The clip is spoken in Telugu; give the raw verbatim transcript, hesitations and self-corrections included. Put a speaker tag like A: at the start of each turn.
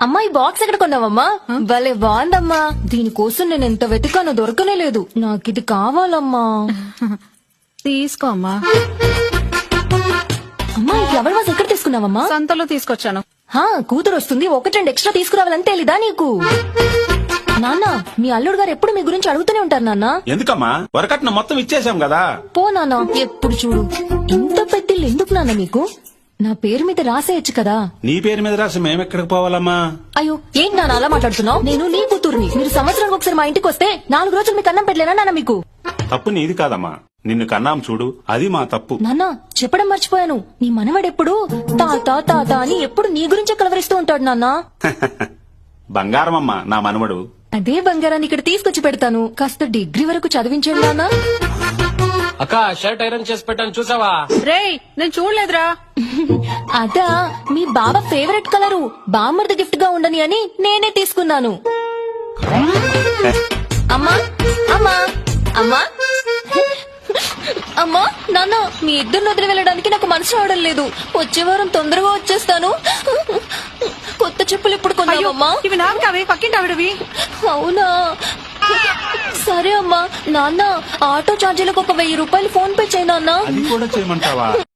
A: అమ్మా ఈ బాక్స్ ఎక్కడ కొన్నావమ్మా? భలే బాగుందమ్మా. దీనికోసం నేను ఎంత వెతికానో దొరకనే లేదు. నాకు ఇది కావాలమ్మా.
B: తీసుకో అమ్మా.
A: అమ్మా ఈ ఫ్లవర్ వాజ్ ఎక్కడ తీసుకున్నావమ్మా?
B: సంతలో తీసుకొచ్చాను.
A: హా కూతురు వస్తుంది, ఒకటి రెండు ఎక్స్ట్రా తీసుకురావాలని తెలీదా నీకు? నాన్న మీ అల్లుడు గారు ఎప్పుడు మీ గురించి అడుగుతూనే ఉంటారు నాన్న.
C: ఎందుకమ్మా వరకట్న మొత్తం ఇచ్చేసాం కదా.
A: పో నాన్న, ఎప్పుడు చూడు ఇంత పెద్దిల్లు ఎందుకు నాన్న మీకు? నా పేరు మీద రాసేయచ్చు కదా.
C: నీ పేరు మీద రాసి మేమెక్కడికి పోవాలమ్మా?
A: అయ్యో ఏంటి నాన్న అలా మాట్లాడుతున్నావు? నేను నీ కూతురుని. మీరు సంవత్సరానికి ఒకసారి మా ఇంటికి వస్తే నాలుగు రోజులు మీకు అన్నం పెట్టలేనా నాన్న మీకు?
C: తప్పు నీది కాదమ్మా, నిన్ను కన్నాం చూడు, అది మా తప్పు.
A: నాన్న చెప్పడం మర్చిపోయాను, నీ మనవడెప్పుడు తాత తాత అని ఎప్పుడు నీ గురించే కలవరిస్తూ ఉంటాడు నాన్న.
C: బంగారమమ్మా నా మనవడు.
A: అదే బంగారాన్ని ఇక్కడ తీసుకొచ్చి పెడతాను. కాస్త డిగ్రీ వరకు చదివించండి నాన్న.
D: అక్క షర్ట్ ఐరన్ చేసి పెట్టాను చూసావా?
B: రేయ్ నేను చూడలేదురా.
A: అదా మీ బాబా ఫేవరెట్ కలరు, బామ్మర్ది గిఫ్ట్ గా ఉండని అని నేనే తీసుకున్నాను. అమ్మా అమ్మా అమ్మా అమ్మా నాన్న మీ ఇద్దరు వదిలి వెళ్ళడానికి నాకు మనసు రావడం లేదు. వచ్చే వారం తొందరగా వచ్చేస్తాను. కొత్త చెప్పులు ఇప్పుడు కొన్నావమ్మా?
B: ఇవి నాకు కావే, పక్కింటి ఆవిడవి.
A: అవునా సరే అమ్మా. నాన్న ఆటో ఛార్జీలకు ఒక వెయ్యి రూపాయలు ఫోన్ పే చేయి నాన్న.
C: అది కూడా చేయమంటావా?